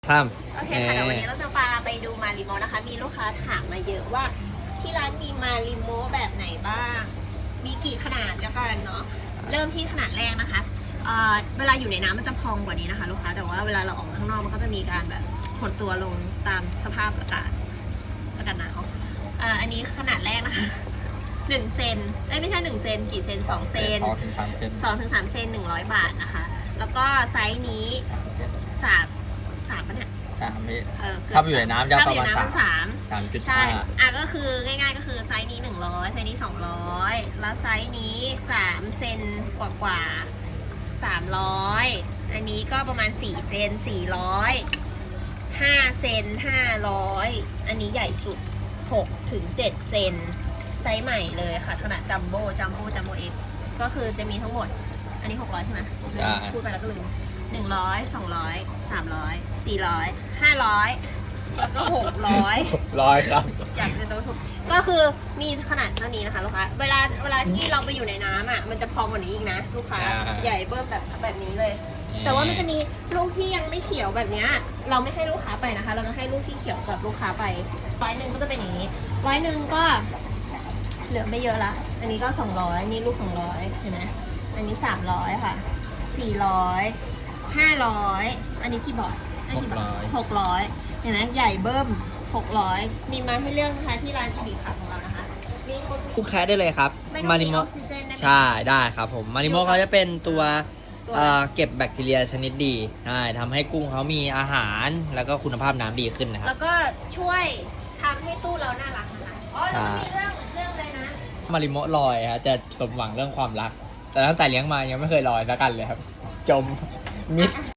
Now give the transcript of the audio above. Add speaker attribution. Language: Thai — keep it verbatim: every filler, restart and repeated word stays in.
Speaker 1: ข้าม
Speaker 2: โอเคค่ะเดี๋ยววันนี้เราจะพาไปดูมาริโมนะคะ มีลูกค้าถามมาเยอะว่าที่ร้านมีมาริโมแบบไหนบ้าง มีกี่ขนาดแล้วกันเนาะ เริ่มที่ขนาดแรกนะคะเอ่อเวลาอยู่ในน้ำมันจะพองกว่านี้นะคะลูกค้า แต่ว่าเวลาเราออกมาข้างนอกมันก็จะมีการแบบหดตัวลงตามสภาพอากาศอากาศหนาวอ่าอันนี้ขนาดแรกนะคะหนึ่งเซนเอ้ยไม่ใช่หนึ่งเซนกี่เซนสองเซน
Speaker 1: สองถึงสามเซน
Speaker 2: สองถึงสามเซนหนึ่งร้อยบาทนะคะ แล้วก็ไซส์นี้สามสามปะเนี่ย
Speaker 1: สามพี่
Speaker 2: เออ
Speaker 1: ถ้าอยู่ในน้ำจะ
Speaker 2: ถ้า
Speaker 1: ประ
Speaker 2: อยู่
Speaker 1: มาณ
Speaker 2: ในน้ำ
Speaker 1: สาม
Speaker 2: สาม
Speaker 1: สามจุด
Speaker 2: ใช่
Speaker 1: ห้า
Speaker 2: อ่ะก็คือง่ายๆก็คือไซส์นี้หนึ่งร้อยไซส์นี้สองร้อยแล้วไซส์นี้สามเซนกว่ากว่าสามร้อยอันนี้ก็ประมาณสี่เซนสี่ร้อยห้าเซนห้าร้อยอันนี้ใหญ่สุดหกถึงเจ็ดเซนไซส์ใหม่เลยค่ะขนาดจัมโบ้จัมโบ้จัมโบ้เอ็กก็คือจะมีทั้งหมดอันนี้หกร้อยใช่ไหมพูดไปแล้วก็ลืมหนึ่งร้อยสองร้อยสามร้อยสี่ร้อยห้าร้อยแล้วก็หกร้อย
Speaker 1: ร้อยครับ
Speaker 2: อยากจะโดนถูกก็คือมีขนาดเท่านี้นะคะลูกค้าเวลาเวลาที่เราไปอยู่ในน้ำอ่ะมันจะพองกว่านี้อีกนะลูกค้า
Speaker 1: อ่า
Speaker 2: ใหญ่เบิ้มแบบแบบนี้เลย
Speaker 1: นี่
Speaker 2: แต่ว่ามันจะมีลูกที่ยังไม่เขียวแบบเนี้ยเราไม่ให้ลูกค้าไปนะคะ เราจะให้ลูกที่เขียวกับลูกค้าไปร้อยหนึ่งก็จะเป็นอย่างนี้ร้อยหนึ่งก็เหลือไม่เยอะละอันนี้ก็สองร้อยนี่ลูกสองร้อยเห็นไหมอันนี้สามร้อยค่ะสี่ร้อยห้าร้อยอันนี้กี่บาทอันนี้กี่บาทหกร้อยเห็นไหมใหญ่เบิ้มหกร้อยมีมาให้เลือกนะคะที่ร้านอีบิค่ะของเรานะคะมีคน
Speaker 1: คู่แคสได้เลยครับ
Speaker 2: ไม่ต้อง
Speaker 1: มา
Speaker 2: มี
Speaker 1: ริโม
Speaker 2: ออกซิเจนได้ไหม
Speaker 1: ใช่ได้ครับผมมาริโมเขาจะเป็นตัว
Speaker 2: ตัว
Speaker 1: เอ่อเก็บแบคทีเรียชนิดดีใช่ทำให้กุ้งเขามีอาหารแล้วก็คุณภาพน้ำดีขึ้นนะค
Speaker 2: แล้
Speaker 1: รับ
Speaker 2: วก็ช่วยทำให้ตู้เราน่ารักนะคะอ๋อแล้วก็มีเรื่องเรื่องเลยนะ
Speaker 1: มาริโมลอยฮะจะสมหวังเรื่องความรัก แต่ตั้งแต่เลี้ยงมายังไม่เคยลอยสักกันเลยครับ จมมิด